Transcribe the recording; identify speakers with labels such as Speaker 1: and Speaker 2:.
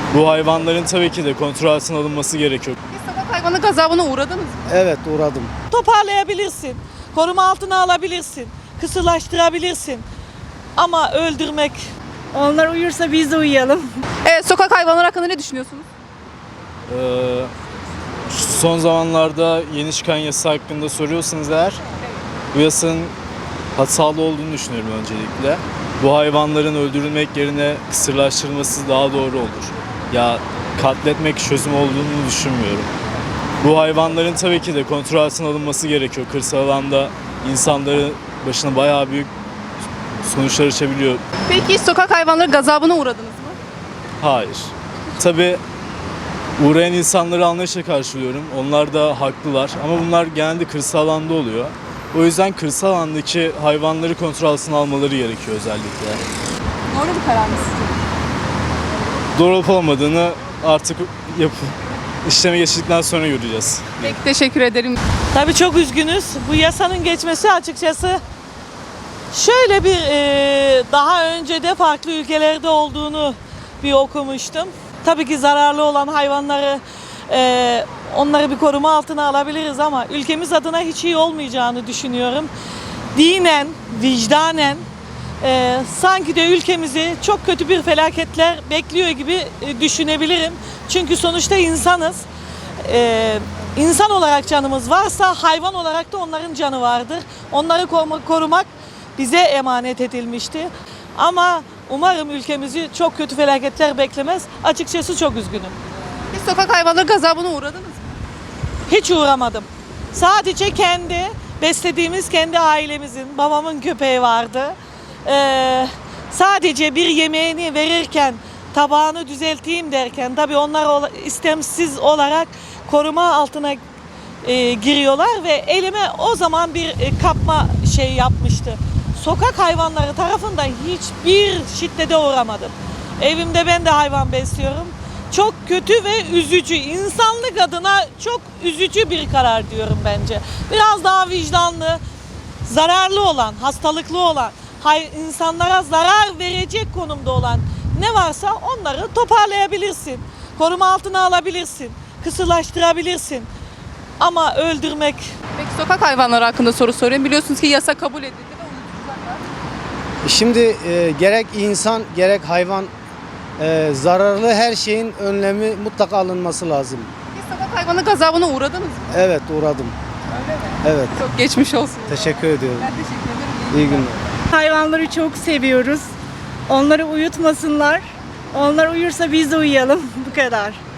Speaker 1: Bu hayvanların tabii ki de kontrol altına alınması gerekiyor.
Speaker 2: Bir sokak hayvanı gazabına uğradınız mı?
Speaker 3: Evet, uğradım.
Speaker 4: Toparlayabilirsin, koruma altına alabilirsin, kısırlaştırabilirsin ama öldürmek...
Speaker 5: Onlar uyursa biz de uyuyalım.
Speaker 2: Evet, sokak hayvanları hakkında ne düşünüyorsunuz?
Speaker 1: Ee, Son zamanlarda yeni çıkan yasa hakkında soruyorsanız eğer, bu yasanın hatalı olduğunu düşünüyorum öncelikle. Bu hayvanların öldürülmek yerine kısırlaştırılması daha doğru olur. Ya katletmek çözüm olduğunu düşünmüyorum. Bu hayvanların tabii ki de kontrol altına alınması gerekiyor. Kırsal alanda insanların başına bayağı büyük sonuçlar açabiliyor.
Speaker 2: Peki sokak hayvanları gazabına uğradınız mı?
Speaker 1: Hayır. Tabii uğrayan insanları anlayışla karşılıyorum. Onlar da haklılar ama bunlar genelde kırsal alanda oluyor. O yüzden kırsal alandaki hayvanları kontrol altına almaları gerekiyor özellikle.
Speaker 2: Doğru bir karar mı sizce?
Speaker 1: Doğru olup olmadığını artık işleme geçtikten sonra göreceğiz.
Speaker 2: Peki, teşekkür ederim.
Speaker 4: Tabii çok üzgünüz. Bu yasanın geçmesi açıkçası şöyle bir daha önce de farklı ülkelerde olduğunu bir okumuştum. Tabii ki zararlı olan hayvanları onları bir koruma altına alabiliriz ama ülkemiz adına hiç iyi olmayacağını düşünüyorum. Dinen, vicdanen sanki de ülkemizi çok kötü bir felaketler bekliyor gibi düşünebilirim. Çünkü sonuçta insanız. İnsan olarak canımız varsa hayvan olarak da onların canı vardır. Onları korumak bize emanet edilmişti. Ama umarım ülkemizi çok kötü felaketler beklemez. Açıkçası çok üzgünüm.
Speaker 2: Bir sokak hayvanları gazabına uğradınız mı?
Speaker 4: Hiç uğramadım. Sadece beslediğimiz kendi ailemizin, babamın köpeği vardı. Sadece bir yemeğini verirken, tabağını düzelteyim derken, tabii onlar istemsiz olarak koruma altına giriyorlar ve elime o zaman bir kapma yapmıştı. Sokak hayvanları tarafından hiçbir şiddete uğramadım. Evimde ben de hayvan besliyorum. Çok kötü ve üzücü, insanlık adına çok üzücü bir karar diyorum bence. Biraz daha vicdanlı, zararlı olan, hastalıklı olan, insanlara zarar verecek konumda olan ne varsa onları toparlayabilirsin. Koruma altına alabilirsin, kısırlaştırabilirsin. Ama öldürmek...
Speaker 2: Peki sokak hayvanları hakkında soru soruyorum. Biliyorsunuz ki yasa kabul edildi ve uyutulacaklar.
Speaker 3: Şimdi gerek insan gerek hayvan zararlı her şeyin önlemi mutlaka alınması lazım.
Speaker 2: Bir sokak hayvanı gazabına uğradınız mı?
Speaker 3: Evet, uğradım.
Speaker 2: Öyle mi?
Speaker 3: Evet,
Speaker 2: Çok geçmiş olsun.
Speaker 3: teşekkür ediyorum.
Speaker 2: Ben teşekkür ederim.
Speaker 3: İyi günler.
Speaker 5: Hayvanları çok seviyoruz. Onları uyutmasınlar. Onlar uyursa biz de uyuyalım. Bu kadar.